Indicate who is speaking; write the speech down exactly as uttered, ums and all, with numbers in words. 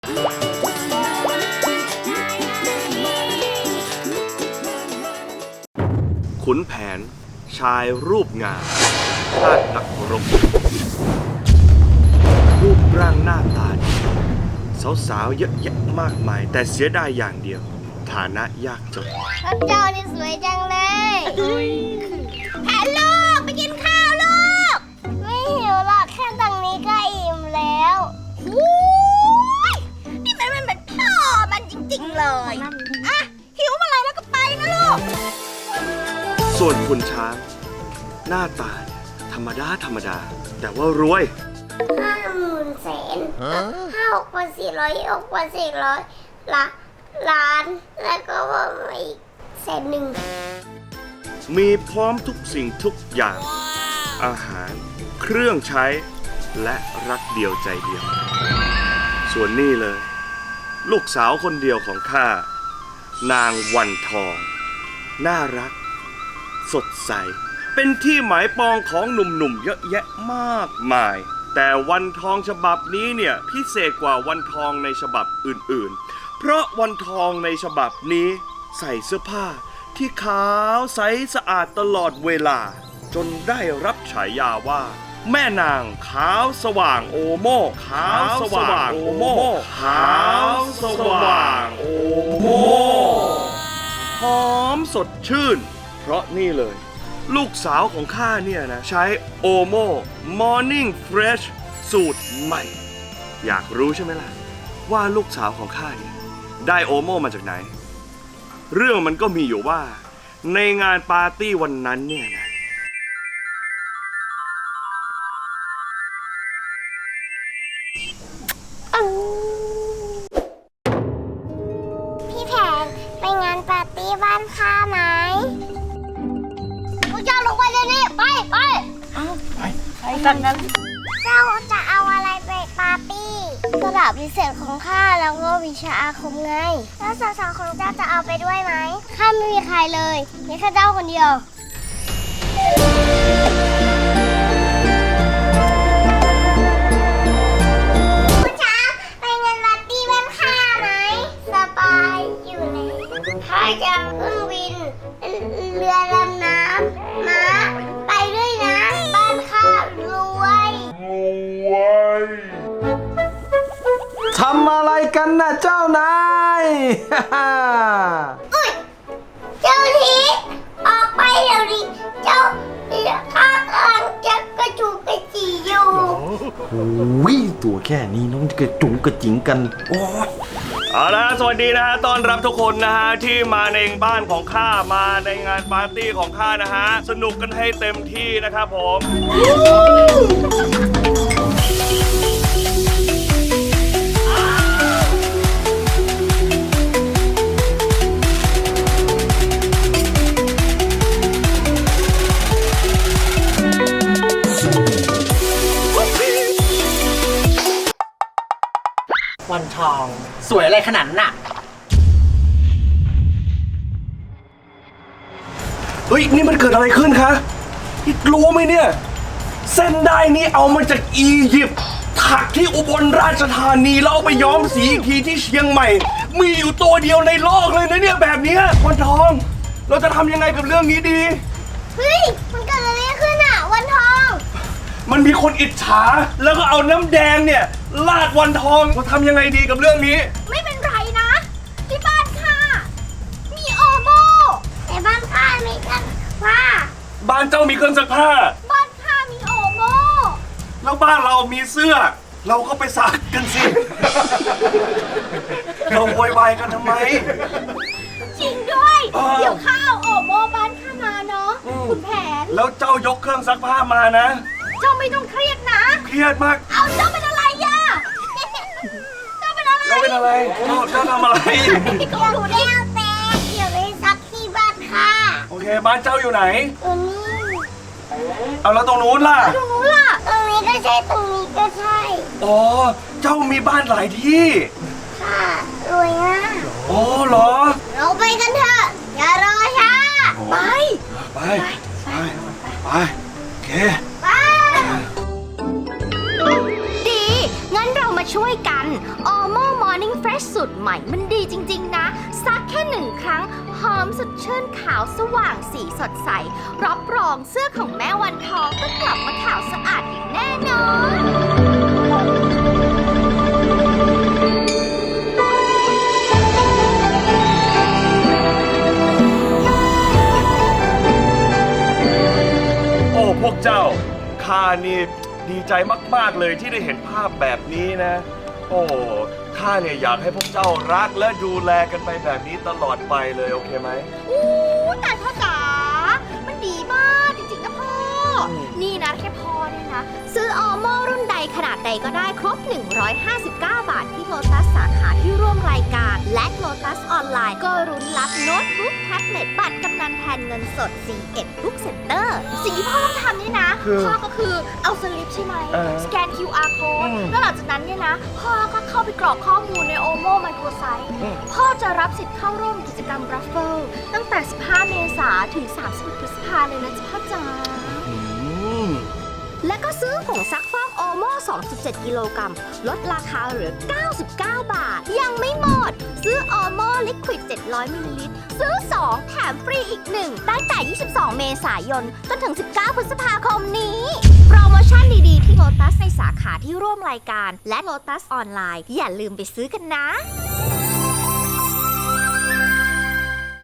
Speaker 1: ขุนแผนชายรูปงามชาตินักรบรูปร่างหน้าตาดีสาวๆเยอะแยะมากมายแต่เสียดายอย่างเดียวฐานะยากจน
Speaker 2: พระเจ้านี่สวยจังเลยแผนลูกไปกินข้าวลูกไม่หิวหรอกแค่ตรงนี้ก็อิ่มแล้วนี่มันมันเหมือนพ่อมันจริงๆเลยอ่ะหิวเมื่อไหร่แล้วก็ไปนะลูก
Speaker 1: ส่วนคุณช้างหน้าตาธรรมดาธรรมดาแต่ว่ารวย
Speaker 2: ห้าหมื่นแสนห้าหกพันสี่ร้อยหกพันสี่ร้อยละล้านแล้วก็ว่าอีกแสนหนึ่ง
Speaker 1: มีพร้อมทุกสิ่งทุกอย่าง wow. อาหารเครื่องใช้และรักเดียวใจเดียวส่วนนี่เลยลูกสาวคนเดียวของข้านางวันทองน่ารักสดใสเป็นที่หมายปองของหนุ่มๆเยอะแยะมากมายแต่วันทองฉบับนี้เนี่ยพิเศษกว่าวันทองในฉบับอื่นๆเพราะวันทองในฉบับนี้ใส่เสื้อผ้าที่ขาวใสสะอาดตลอดเวลาจนได้รับฉายาว่าแม่นางขาวสว่างโอโม่ขาวสว่างโอโม่ขาวสว่างโอโม่หอมสดชื่นเพราะนี่เลยลูกสาวของข้าเนี่ยนะใช้โอโม่ Morning Fresh สูตรใหม่อยากรู้ใช่ไหมล่ะว่าลูกสาวของข้าเนี่ยได้โอโม่มาจากไหนเรื่องมันก็มีอยู่ว่าในงานปาร์ตี้วันนั้นเนี่ยนะ
Speaker 2: พี่แผนไปงานปาร์ตี้บ้านข้าไหมพวกเจ้าลงไปเลยนี่ไปไปไปไปกันนั้นเจ้าจะเอาอะไรไปปาร์ตี้กระดาษพิเศษของข้าแล้วก็วิชาอาคมไงแล้วสาวๆของเจ้าจะเอาไปด้วยไหมข้าไม่มีใครเลยมีแค่เจ้าคนเดียวผู้ช้าไปงานปาร์ตี้บ้านข้าไหมสบายอยู่เลยข้าจะขึ้นวินเรือดำน้ำม้าไปด้วยนะบ้านข้ารวยรวย
Speaker 3: ทำอะไรกันนะเจ้านาย
Speaker 2: อุ้ยเจ้าทีออกไปเดี๋ยวนี้เจ้าข้ากำลังจะกระจูกกระจีอยู่
Speaker 3: โอ้ยตัวแค่นี้น้องจะกระจุงกระจิงกันโอ้ย
Speaker 1: เอาละสวัสดีนะฮะต้อนรับทุกคนนะฮะที่มาในบ้านของข้ามาในงานปาร์ตี้ของข้านะฮะสนุกกันให้เต็มที่นะครับผม
Speaker 4: วันทองสวยอะไรขนาดน่ะ
Speaker 1: เฮ้ยนี่มันเกิดอะไรขึ้นคะพี่รู้ไหมเนี่ยเส้นได้นี้เอามาจากอียิปต์ถักที่อุบลราชธานีแล้วเอาไปย้อมสีอีกทีที่เชียงใหม่มีอยู่ตัวเดียวในโลกเลยนะเนี่ยแบบนี้วันทองเราจะทำยังไงกับเรื่องนี้ดี
Speaker 2: เฮ้ยมันเกิดอะไรขึ้นอ่ะวันทอง
Speaker 1: มันมีคนอิจฉาแล้วก็เอาน้ำแดงเนี่ยลาดวันทองเราทำยังไงดีกับเรื่องนี้
Speaker 2: ไม่เป็นไรนะที่บ้านข้ามีโอโม่แต่บ้านข้ามีเครื่องซักผ้า
Speaker 1: บ้านเจ้ามีเครื่องซักผ้า
Speaker 2: บ้านข้ามีโอโม่
Speaker 1: แล้วบ้านเรามีเสื้อเราก็ไปซักกันสิ เราโวยวายกันทำไม
Speaker 2: จริงด้วยเดี๋ยวข้าเอาโอโม่บ้านข้ามาเนาะคุณแผน
Speaker 1: แล้วเจ้ายกเครื่องซักผ้ามานะ
Speaker 2: เจ้าไม่ต้องเครียดนะ
Speaker 1: เครียดมาก
Speaker 2: เอาเจ้าเป็นอะไรย่าเจ้าเป็นอะไร
Speaker 1: เจ้าเป็นอะไรเจ้าเจ้าทำอะไร
Speaker 2: ก็รู้ได้เอาแต่เดี๋ยวไปซักที่บ้านค่ะ
Speaker 1: โอเคบ้านเจ้าอยู่ไหน
Speaker 2: ตรงนี้
Speaker 1: เอาแล้วตรงนู้นล่ะ
Speaker 2: ตรงนู้นล่ะตรงนี้ก็ใช่ตรงนี้ก็ใช่
Speaker 1: อ๋อเจ้ามีบ้านหลายที่
Speaker 2: ค่ะรวยมาก
Speaker 1: อ๋อเหรอ
Speaker 2: เราไปกันเถอะอย่ารอช้าไป
Speaker 1: ไปไปไปโอเค
Speaker 2: ดีงั้นเรามาช่วยกัน Omo Morning
Speaker 5: สูตรใหม่มันดีจริงๆนะซักแค่หนึ่งครั้งหอมสดชื่นขาวสว่างสีสดใสรับรองเสื้อของแม่วันทองก็กลับมาขาวสะอาดอย่างแน่นอน
Speaker 1: โอ้พวกเจ้าข้านี่ดีใจมากๆเลยที่ได้เห็นภาพแบบนี้นะ โอ้ข้าเนี่ยอยากให้พวกเจ้ารักและดูแลกันไปแบบนี้ตลอดไปเลยโอเคไหม
Speaker 5: อู้แต่พ่อจ๋า มันดีมากจริงๆนะพ่อ นี่นะแค่พ่อเนี่ยนะ ซื้อออโม่รุ่นใดขนาดใดก็ได้ครบ หนึ่งร้อยห้าสิบเก้า บาทที่โลตัสสาขาที่ร่วมรายการ และโลตัสออนไลน์ก็รุ้นรับโน้ตบุ๊กแท็บเล็ตบัตรกำนันแทนเงินสด ซี เอ็ด Book Center สิ่งที่พ่อต้องทำเนี่ยนะ
Speaker 1: คือ
Speaker 5: พ่อก็คือเอาสลิปใช่ไหม
Speaker 1: เออ
Speaker 5: สแกน คิว อาร์ code
Speaker 1: อืม
Speaker 5: แล้วหลังจากนั้นเนี่ยนะ พ่อก็เข้าไปกรอกข้อมูลในโอโม่ไมโครไซต์
Speaker 1: อืม
Speaker 5: พ่อจะรับสิทธิ์เข้าร่วมกิจกรรมรัฟเฟิลตั้งแต่ สิบห้า เมษายนถึง สามสิบเอ็ด พฤษภาเลยนะจ๊ะพ่อจ๋า
Speaker 1: อืม
Speaker 5: และก็ซื้อผงซักฟอกโอโม่ สองจุดเจ็ด กิโลกรัม ลดราคาเหลือ เก้าสิบเก้า บาท ยังไม่หมด ซื้อโอโม่ลิควิด เจ็ดร้อย มิลลิลิตร ซื้อ สอง แถมฟรีอีก หนึ่ง ตั้งแต่ ยี่สิบสอง เมษายน จนถึง สิบเก้า พฤษภาคมนี้ โปรโมชั่นดีๆ ที่โลตัสในสาขาที่ร่วมรายการ และโลตัสออนไลน์ อย่าลืมไปซื้อกันนะ